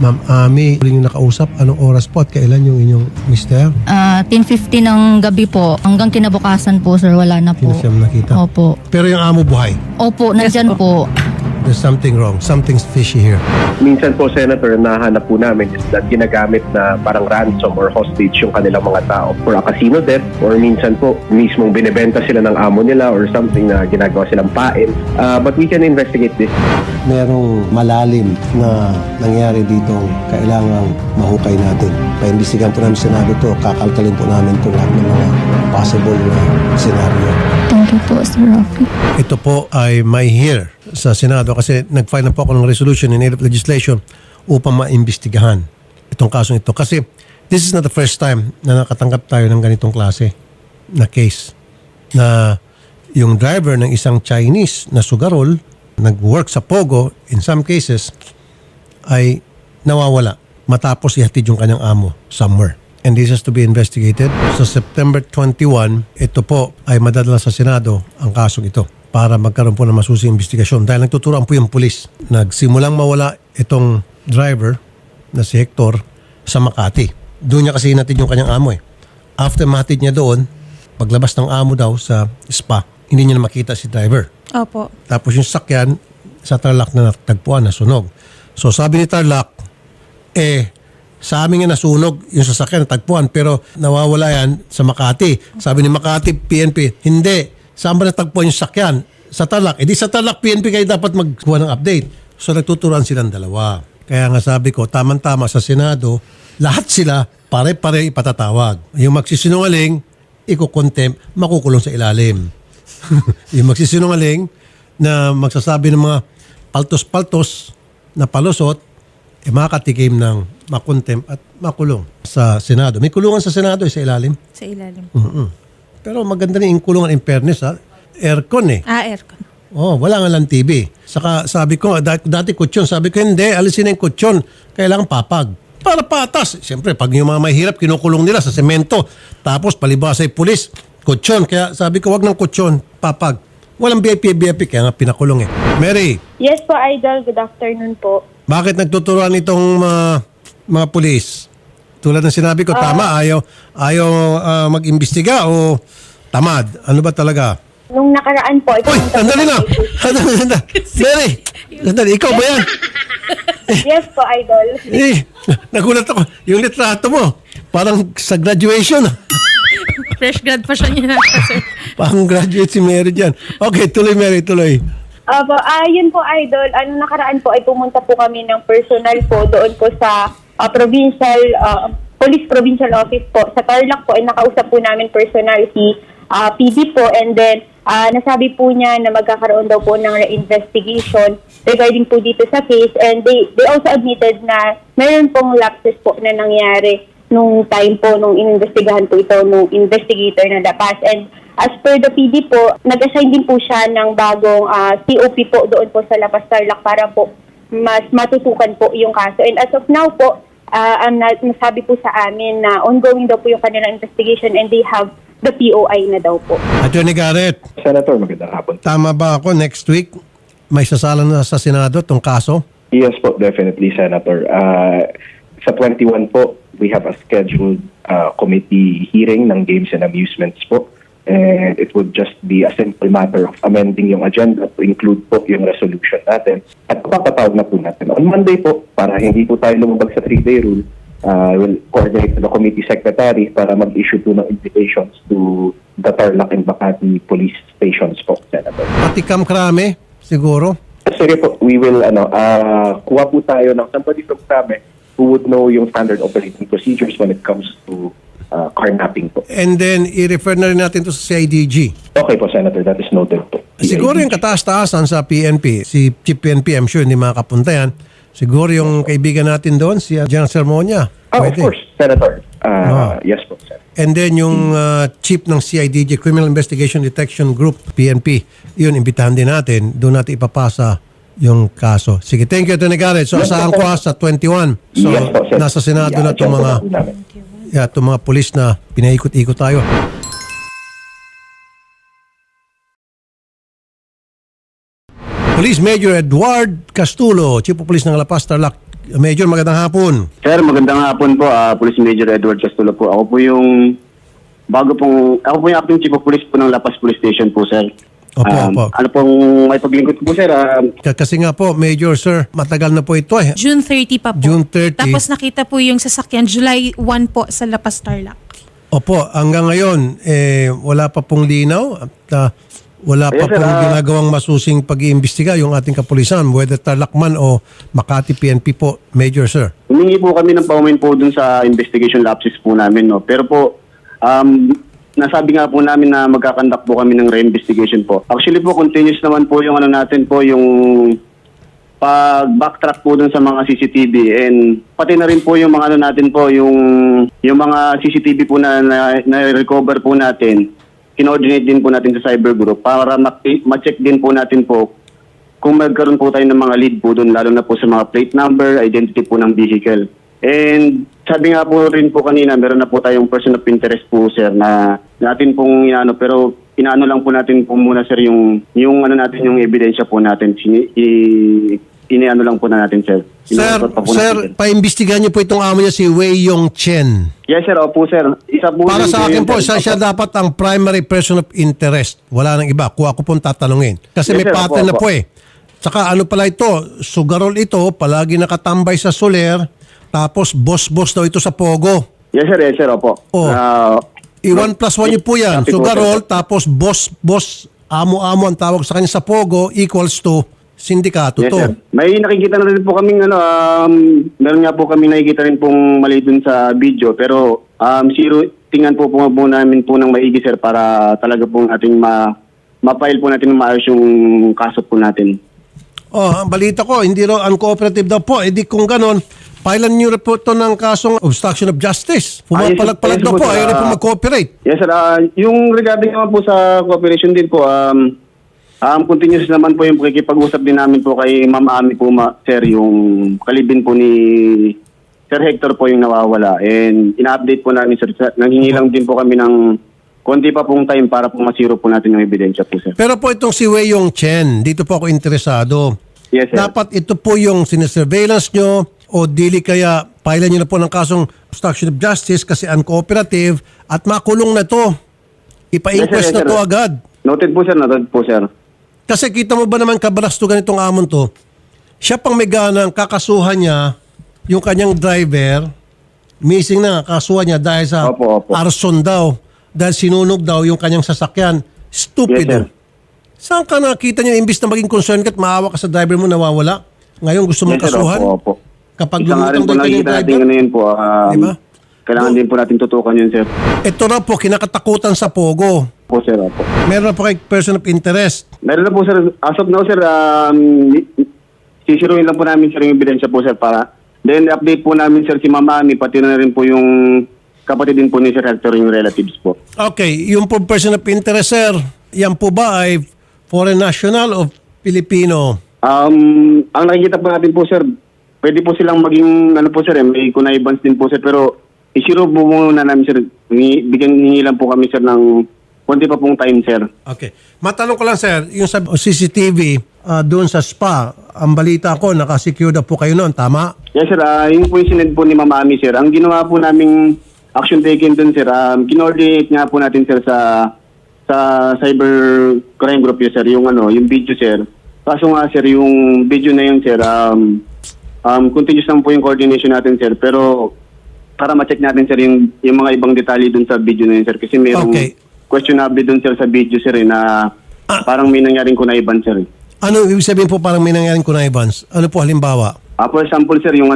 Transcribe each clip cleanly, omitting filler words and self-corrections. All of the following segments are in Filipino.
Ma'am Ami, huling yung nakausap, anong oras po at kailan yung inyong mister? 10:50 ng gabi po. Hanggang kinabukasan po, sir, wala na po. Hindi na siya nakita. Opo. Pero yung amo buhay. Opo, nandyan po. There's something wrong. Something's fishy here. Minsan po, Senator, nahanap po namin is that ginagamit na parang ransom or hostage yung kanilang mga tao for a casino debt, or minsan po mismong binibenta sila ng amo nila or something na ginagawa silang pain. But we can investigate this. Merong malalim na nangyari dito kailangang mahukay natin. Paimbestigahan po namin sa Senado to, kakalkalin po namin ito lahat ng mga possible na scenario. Thank you po, Sir Rafi. Ito po ay may hear sa Senado kasi nag-file na po ako ng resolution in aid of legislation upang maimbestigahan itong kasong ito. Kasi this is not the first time na nakatanggap tayo ng ganitong klase na case na yung driver ng isang Chinese na sugarol nag-work sa Pogo, in some cases ay nawawala matapos ihatid yung kanyang amo somewhere. And this has to be investigated. So September 21, ito po ay madadala sa Senado ang kasong ito para magkaroon po ng masusing investigasyon. Dahil nagtuturoan po yung pulis. Nagsimulang mawala itong driver na si Hector sa Makati. Doon niya kasi hinatid yung kanyang amo eh. After mahatid niya doon, paglabas ng amo daw sa spa, hindi niya na makita si driver. Opo. Tapos yung sakyan sa Tarlac na natagpuan, nasunog. So sabi ni Tarlac, sa amin nga nasunog yung sasakyan natagpuan pero nawawala yan sa Makati. Sabi ni Makati, PNP, hindi. Saan ba natagpuan yung sasakyan? Sa Tarlac. Di sa Tarlac, PNP kayo dapat magkuha ng update. So nagtuturuan silang dalawa. Kaya nga sabi ko, tamang-tama sa Senado, lahat sila pare-pare ipatatawag. Yung magsisinungaling, iko-contempt, makukulong sa ilalim. Yung magsisinungaling na magsasabi ng mga paltos-paltos na palusot, makakatikim ng makontempt at makulong sa Senado. May kulungan sa Senado sa ilalim. Sa ilalim. Pero maganda rin yung kulungan in fairness ha. Aircon eh. Aircon. Oh, wala nga lang TV. Saka sabi ko, dati kutsyon. Sabi ko, hindi, alisin na yung kutsyon. Kailangan papag. Para patas. Siyempre, pag yung mga mahirap, kinukulong nila sa semento. Tapos palibasa ay pulis. Kutsyon. Kaya sabi ko, wag ng kutsyon. Papag. Walang VIP, kaya nga pinakulong eh. Mary. Yes po, Idol. Good afternoon po. Bakit nagtuturuan itong mga pulis? Tulad ng sinabi ko, tama, ayaw mag-imbestiga o tamad? Ano ba talaga? Nung nakaraan po, Uy, sandali na! Mary, sandali, ikaw ba yan? Yes po, Idol. Nagulat ako. Yung litrato mo, parang sa graduation. Fresh grad pa siya niya, sir. Parang graduate si Mary dyan. Okay, tuloy Mary, tuloy. Yun po, Idol. Nakaraan po ay pumunta po kami ng personal po doon po sa Police Provincial Office po. Sa Tarlac po ay nakausap po namin personal si PD po, and then nasabi po niya na magkakaroon daw po ng investigation regarding po dito sa case, and they also admitted na mayroon pong lapses po na nangyari nung time po nung inimbestigahan po ito nung investigator na Dapas. And as per the PD po, nag-assign din po siya ng bagong COP po doon po sa Lapas Tarlac para po mas matutukan po yung kaso. And as of now po, nasabi po sa amin na ongoing daw po yung kanilang investigation and they have the POI na daw po. Attorney Garrett, Senator, magandang hapon. tama ba ako next week may sasalan na sa Senado itong kaso? Yes po, definitely, Senator. Sa 21 po, we have a scheduled committee hearing ng Games and Amusements po. And it would just be a simple matter of amending yung agenda to include po yung resolution natin. At papatawag na po natin. On Monday po, para hindi po tayo lumabag sa 3-day rule, we'll coordinate with the committee secretary para mag-issue po ng invitations to the Tarlac and Makati police stations po, Senator. Pati Kamkrame, siguro? Sige po, we will, kuha po tayo ng somebody from Krame who would know yung standard operating procedures when it comes to carnapping po. And then, i-refer na rin natin to sa CIDG. Okay po, Senator, that is noted po. Siguro yung kataas-taasan sa PNP, si Chief PNP, I'm sure hindi makakapunta yan. Siguro yung kaibigan natin doon, si General Sermonia. Of course, Senator. Yes po, Senator. And then yung chief ng CIDG, Criminal Investigation Detection Group, PNP, yun, imbitahan din natin. Doon natin ipapasa yung kaso. Sige, thank you, Atty. Garrett. So, asahan ko sa 21. So, Yes po, Senator. nasa Senado na itong mga, itong mga pulis na pinaikot-ikot tayo. Police Major Edward Castulo, Chief of Police ng La Paz, Tarlac, Major, magandang hapon. Sir, magandang hapon po. Police Major Edward Castulo po. Ako po yung acting chief of police po ng La Paz Police Station po, sir. Opo, opo. Ano pong may paglingkod po, sir? Kasi nga po, Major, sir, matagal na po ito eh. June 30 pa po. June 30. Tapos nakita po yung sasakyan July 1 po sa La Paz Tarlac. Opo, hanggang ngayon, wala pa pong linaw at wala pa Yes, sir, pong ginagawang masusing pag-iimbestiga yung ating kapulisan, whether Tarlacman o Makati PNP po, Major, sir. Humingi po kami ng paumin po dun sa investigation lapses po namin, no? Pero po, nasabi nga po namin na magkakandak po kami ng re-investigation po. Actually po, continuous naman po yung natin po, yung pag-backtrack po dun sa mga CCTV and pati na rin po yung mga natin po, yung mga CCTV po na recover po natin, kinoordinate din po natin sa cyber group para ma-check din po natin po kung magkaroon po tayo ng mga lead po dun, lalo na po sa mga plate number, identity po ng vehicle. And sabi nga po rin po kanina, meron na po tayong person of interest po, sir, na natin pong inaano, pero inaano lang po natin po muna, sir, yung natin, yung ebidensya po natin. Iniano lang po na natin, sir. Sir, paimbestigahan niyo po itong amo niya, si Wei Yong Chen. Yes, sir. Opo, sir. Isa po Para rin sa akin yun, po, sir. siya dapat ang primary person of interest. Wala nang iba. Kung ako pong tatanungin. Kasi Yes, may sir. pattern na Opo, po eh. Tsaka ano pala ito, sugarol ito, palagi nakatambay sa Soler, tapos boss-boss daw ito sa Pogo. Yes, sir. Yes, sir. Opo. Oh. I-1 plus 1 niyo po yan. Copy po, Sugarol, sir. tapos boss, amo-amo ang tawag sa kanya sa Pogo equals to sindikato Yes, to. sir. May nakikita na rin po kaming meron nga po kami nakikita rin pong mali dun sa video, pero tingnan po namin po ng maigi, sir, para talaga pong ating ma-file po natin ng maayos yung kaso po natin. Oh, ang balita ko, hindi raw uncooperative daw po. Eh di kung ganon, filean niyo po ito ng kasong obstruction of justice. Pumapalag-palag yes, daw yes, po, sir. ayaw rin po mag-cooperate. Yes, sir. Yung regarding naman po sa cooperation din po, continuous naman po yung pakikipag-usap din namin po kay Ma'am Ami po, sir, yung kalibin po ni Sir Hector po yung nawawala. And ina-update po namin, sir. Nanghingi lang din po kami ng konti pa pong time para po masiro po natin yung ebidensya po, sir. Pero po itong si Wei Yong Chen, dito po ako interesado. Yes, sir. Dapat ito po yung sinesurveillance nyo o dili kaya filean nyo na po ng kasong obstruction of justice kasi uncooperative at makulong na to. Ipa-inquest Yes, sir, na to agad. Noted po, sir. Noted po, sir. Kasi kita mo ba naman kabalastugan itong amon to? Siya pang may ganang kakasuhan niya yung kanyang driver, missing na kasuhan niya dahil sa Opo. arson daw, dahil sinunog daw yung kanyang sasakyan. Stupido. Yes, sir. Saan ka nakita niya imbis na maging concerned ka at maawa ka sa driver mo nawawala? Ngayon gusto mong Yes, sir. kasuhan? Opo. Kapag Isa nga rin lumutang po daw yung nakikita kanyang natin driver? ngayon po. Diba? Kailangan din po natin tutukan yun, sir. Ito na po, kinakatakutan sa Pogo. Po, sir. Opo. Meron na po kay person of interest. Meron na po, sir. As of now, sir, sisiruin lang po namin, sir, yung ebidensya po, sir, para then update po namin, sir, si Mama Ami, pati na rin po yung kapatid din po ni Sir Hector, yung relatives po. Okay, yung po person of interest, sir, yan po ba ay foreign national o Filipino? Ang nakikita po natin po, sir, pwede po silang maging, po, sir, may connivance din po, sir, pero isiro po muna namin, sir, hingi lang po kami, sir, ng konti pa pong time, sir. Okay. Matanong ko lang, sir, yung sa CCTV doon sa spa, ang balita ko, nakasecure na po kayo noon, tama? Yes, sir. Yung po yung sinend po ni Mama Ami, sir. Ang ginawa po naming action taken dun, sir, kinoordinate nga po natin, sir, sa cyber crime group yun, sir, yung video, sir. Kaso nga, sir, yung video na yun, sir, continuous lang po yung coordination natin, sir. Pero para ma-check natin, sir, yung mga ibang detalye dun sa video na yun, sir. Kasi mayroong questionable dun, sir, sa video, sir, na parang may nangyaring kunaiban, sir. Ano ibig sabihin po parang may nangyaring connivance? Ano po halimbawa? For example, sir, yung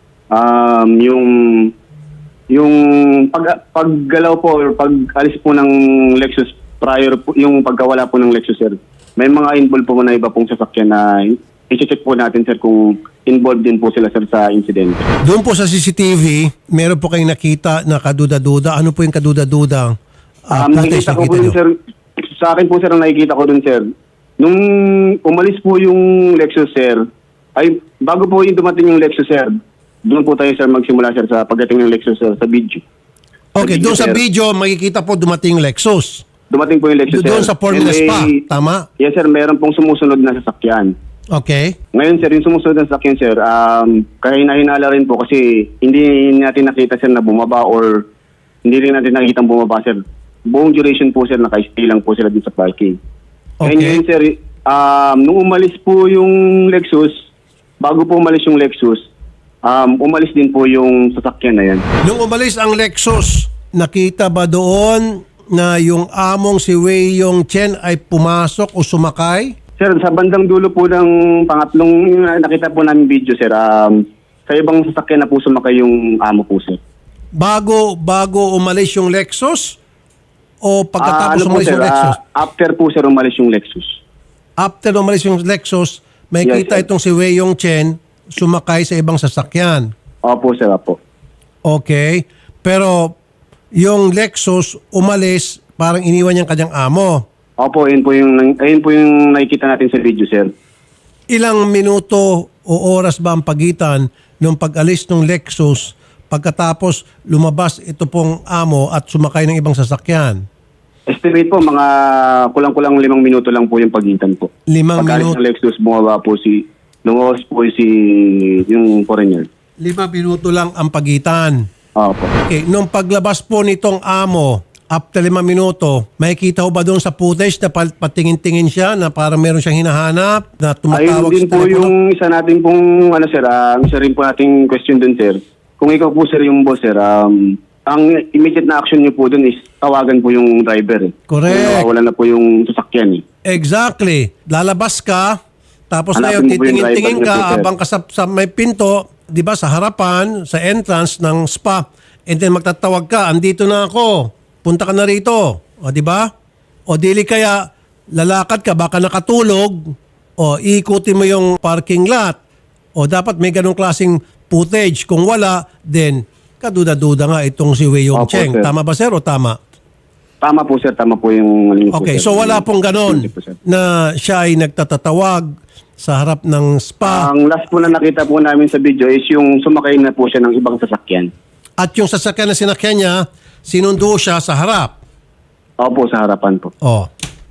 yung paggalaw po or pag-alis po ng Lexus prior po, yung pagkawala po ng Lexus, sir. May mga involved po na iba pong sasakyan na i-check po natin, sir, kung involved din po sila, sir, sa incident. Doon po sa CCTV, meron po kayong nakita na kaduda-duda. Ano po yung kaduda-duda? Nakikita ko po dun, sir, sa akin po, sir, ang nakikita ko dun, sir, nung umalis po yung Lexus, sir, ay bago po yung dumating yung Lexus, sir, doon po tayo, sir, magsimula, sir, sa pagdating ng Lexus, sir, sa video. Okay, doon sa sir. video, makikita po dumating yung Lexus. Dumating po yung Lexus, sir. Doon sa Formula And Spa, tama? Yes, sir, meron pong sumusunod na sasakyan. Okay. Ngayon sir, yung sumusunod na sasakyan sir, kahina-hinala rin po kasi hindi natin nakita sir na bumaba or hindi rin natin nakita bumaba sir. Buong duration po sir, naka-stay lang po sila dito sa parking. Okay. And ngayon sir, nung umalis po yung Lexus, bago po umalis yung Lexus, umalis din po yung sasakyan na yan. Nung umalis ang Lexus, nakita ba doon na yung among si Wei Yong Chen ay pumasok o sumakay? Sir, sa bandang dulo po ng pangatlong nakita po namin video sir, sa ibang sasakyan na po sumakay yung amo po sir. Bago umalis yung Lexus? O pagkatapos Ano po, umalis sir, yung Lexus? after po sir umalis yung Lexus. After umalis yung Lexus, may Yes, kita sir. itong si Wei Yong Chen sumakay sa ibang sasakyan. Opo sir, opo. Okay. Pero yung Lexus umalis, parang iniwan niyang kanyang amo. Opo, ayun po yung nakikita natin sa video sir. Ilang minuto o oras ba ang pagitan nung pag-alis ng Lexus pagkatapos lumabas ito pong amo at sumakay ng ibang sasakyan? Estimate po, mga kulang-kulang 5 minuto lang po yung pagitan po. 5 Pagkalis minuto. ng Lexus, bumaba po lumabas po yung foreigner. 5 minuto lang ang pagitan. Opo. Okay, nung paglabas po nitong amo, after 5 minuto, makikita ho ba doon sa footage na patingin-tingin siya na parang meron siyang hinahanap na Ayun tumatawag din sa po telepono? yung isa natin pong, sir, isa rin po nating question dun, sir. Kung ikaw po, sir, yung boss, sir, ang immediate na action niyo po dun is tawagan po yung driver. Correct. Kung nawawala na po yung sasakyan. Exactly. Lalabas ka, tapos Hanapin ngayon mo po yung titingin-tingin driver niyo po, ka sir. abang ka sa may pinto, di ba, sa harapan, sa entrance ng spa, and then magtatawag ka, andito na ako, punta ka na rito. O, di ba? O dili kaya lalakad ka, baka nakatulog, o iikutin mo yung parking lot. O dapat may ganong klaseng footage. Kung wala, then kaduda-duda nga itong si Wei Yong Opo, Cheng. sir. Tama ba, sir, o tama? Tama po, sir. Tama po yung... Okay, so wala pong ganon na siya ay nagtatatawag sa harap ng spa Ang last po na nakita po namin sa video is yung sumakay na po siya ng ibang sasakyan. at yung sasakyan na sinakyan niya, sinundo siya sa harap. Opo, sa harapan po. Oh.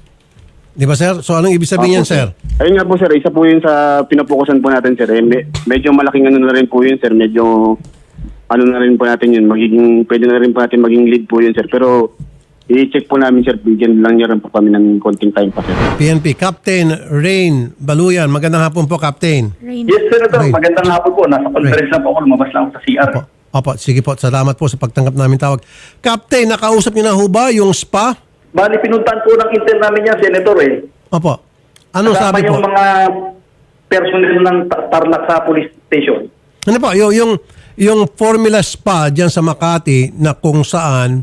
Di ba, sir? So anong ibig sabihin yan, Opo, sir? Ayun nga po, sir. Isa po yun sa pinapokusan po natin, sir. Medyo malaking ano na rin po yun, sir. Medyo ano na rin po natin yun. Pwede na rin po natin maging lead po yun, sir. Pero i-check po namin, sir. Bigyan lang niya rin po kami ng konting time pa, sir. PNP, Captain Rain Baluyan. Magandang hapon po, Captain. Rain. Yes, Senator. Okay. Magandang hapon po. Nasa conference lang po ako. Lumabas lang ako sa CR. Opo, sige po. Salamat po sa pagtanggap namin tawag. Captain, nakausap niyo na ho ba yung spa? Bali, pinuntahan po ng intern namin yan, Senator eh. Opo. Anong Kasama sabi po? yung mga personnel ng Tarlac sa police station. Ano po, yung Formula Spa dyan sa Makati na kung saan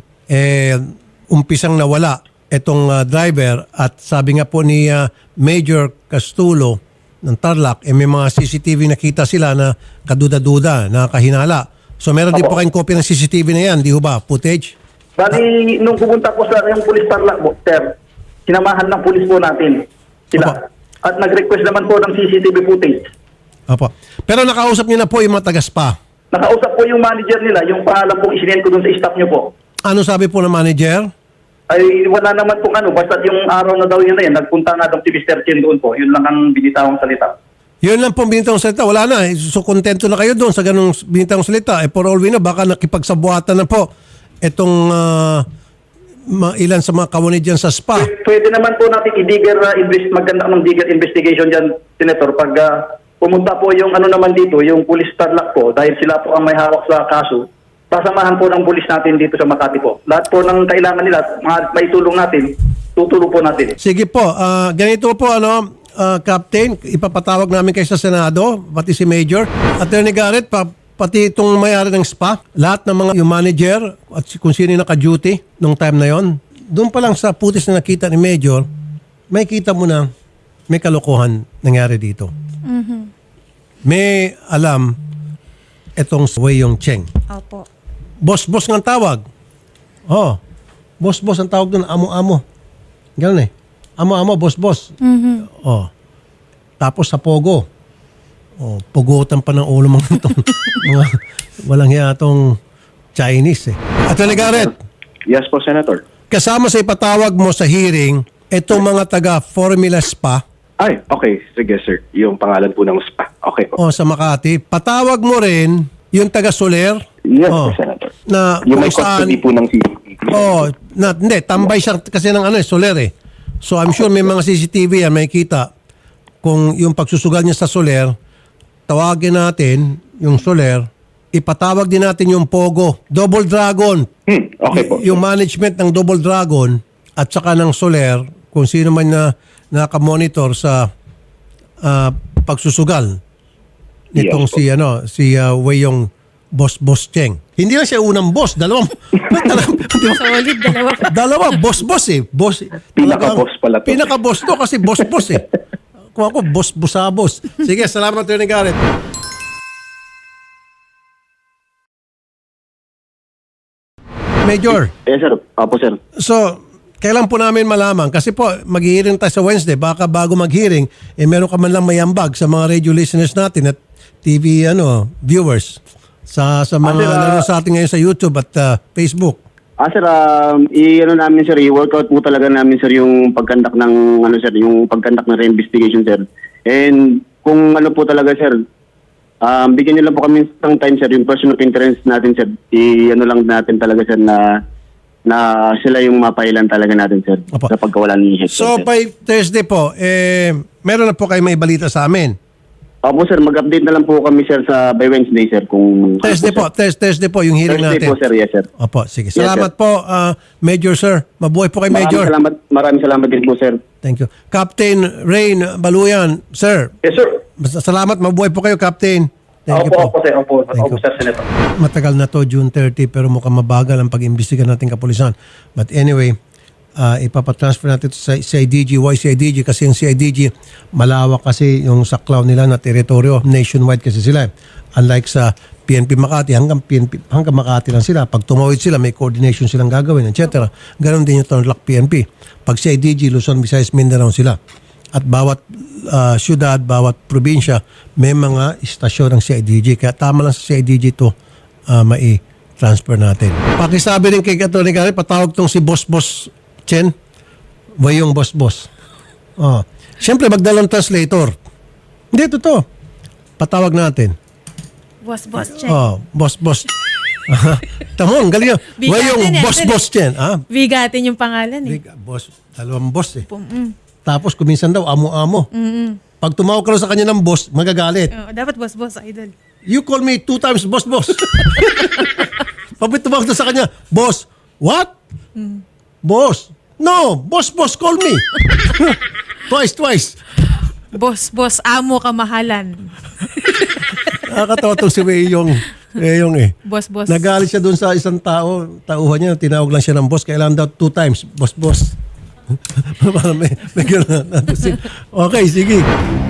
umpisang nawala itong driver at sabi nga po ni Major Castulo ng Tarlac, may mga CCTV nakita sila na kaduda-duda, nakahinala. So meron din po Opo. kayong copy ng CCTV na yan, di ho ba? Footage? Bali, nung pumunta po sa yung police Tarlac, sir, sinamahan ng police po natin sila. Opo. At nag-request naman po ng CCTV footage. Opo. Pero nakausap niyo na po yung mga taga-spa. Nakausap po yung manager nila, yung pangalan pong isinend ko dun sa staff niyo po. Ano sabi po ng manager? Ay, wala naman pong ano, basta yung araw na daw yun na yan, nagpunta nga daw si Mr. Chen doon po. Yun lang ang binitawang salita. Yun lang pong binitang salita. Wala na. So, kontento na kayo doon sa ganung binitang salita. For all we know, baka nakipagsabuatan na po itong ilan sa mga kawani dyan sa spa. Pwede naman po natin maganda ng digger investigation dyan, Senator, pag pumunta po yung ano naman dito, yung police Tarlac po, dahil sila po ang may hawak sa kaso, sasamahan po ng police natin dito sa Makati po. Lahat po ng kailangan nila, may tulong natin, tutulong po natin. Sige po. Ganito po, Captain, ipapatawag namin kayo sa Senado, pati si Major. Attorney Garrett, pati itong may-ari ng spa, lahat ng mga yung manager at kung sino yung naka-duty nung time na yon. Doon pa lang sa putis na nakita ni Major, may kita mo na may kalokohan nangyari dito. May alam itong Wei Yong Cheng. Opo. Boss-boss ng tawag. Oh, boss-boss ang tawag doon, amo-amo. Ganun eh. Amo-amo, boss-boss. Oh. Tapos sa Pogo. Oh, pugutan pa ng ulo mga itong mga walang hiya itong Chinese eh. Attorney Garrett, Yes po, Senator. kasama sa ipatawag mo sa hearing, itong mga taga Formula Spa Ay, okay. Sige, sir. Yung pangalan po ng spa. Okay po. O, sa Makati. Patawag mo rin yung taga-Soler. Yes, Oh. Senator. Na Yung may kung saan, custody po ng CCTV. hindi, tambay siya kasi ng Soler eh. So I'm sure may mga CCTV yan, may kita. Kung yung pagsusugal niya sa Soler, tawagin natin yung Soler, ipatawag din natin yung Pogo, Double Dragon. Okay po. Yung management ng Double Dragon at saka ng Soler, kung sino man na nakamonitor sa pagsusugal nitong Yes, si Weyong Boss Cheng. Hindi lang siya unang boss, dalawang Solid, dalawa. dalawa boss eh. Boss. Pinaka-boss pala to. Pinaka-boss to kasi boss eh. Kung ako boss. Sige, salamat Attorney Garrett. Major, Yes, sir. Opo, sir. so kailan po namin malaman? Kasi po, mag-hearing tayo sa Wednesday. Baka bago mag-hearing, meron ka man lang mayambag sa mga radio listeners natin at TV viewers sa mga nanonood sa atin ngayon sa YouTube at Facebook. Sir, namin sir, i-workout po talaga namin sir yung pagkandak ng yung pagkandak ng reinvestigation sir. And kung po talaga sir, bigyan niyo lang po kami ng time sir, yung person of interest natin sir. Lang natin talaga sir na sila yung mapailan talaga natin sir Opo. sa pagkawalan ni Hector. So sir. by Thursday po, meron na po kayo may balita sa amin. Opo sir, mag-update na lang po kami sir by Wednesday sir kung Thursday po yung hearing Thursday natin. po sir, yes sir. Opo, sige. Yes, Salamat po, Major Sir. Mabuhay po kay Major. Maraming salamat din po sir. Thank you. Captain Rain Baluyan, Sir. Yes, sir. Salamat, mabuhay po kayo, Captain. Thank you po. Opo, sir. Opo, Thank you. sir, Senator. Matagal na to, June 30, pero mukhang mabagal ang pag-imbestiga natin kapulisan. But anyway, ipapatransfer natin ito sa CIDG. Why CIDG? Kasi yung CIDG, malawak kasi yung saklaw nila na teritoryo. Nationwide kasi sila. Unlike sa PNP Makati, hanggang Makati lang sila. Pag tumawid sila, may coordination silang gagawin, etc. Ganon din yung Tarlac PNP. Pag CIDG, Luzon, Visayas, Mindanao sila. At bawat syudad, bawat probinsya, may mga istasyon ng CIDG. Kaya tama lang sa CIDG ito mai-transfer natin. Pakisabi rin kay Atty. Garrett, patawag tong si Boss Chen, Weyong Boss. Siyempre, magdalang translator. Hindi, totoo. Patawag natin. Boss, check. Boss. Tamon, galing yun. Bigatin Weyong yan, Boss Chen. Bigatin yung pangalan eh. Boss, dalawang boss eh. Tapos kuminsan daw, amo-amo. Pag tumawag ka lang sa kanya ng boss, magagalit. Dapat boss, idol. You call me 2 times boss. Pag tumawag daw sa kanya, boss, what? Boss. No, boss, call me. Twice. Boss, amo kamahalan. Nakakatawa itong si Weyong eh. Boss. Nagalit siya doon sa isang tauhan niya, tinawag lang siya ng boss. Kailangan daw 2 times, boss. Para may gano'n. Okay, sige.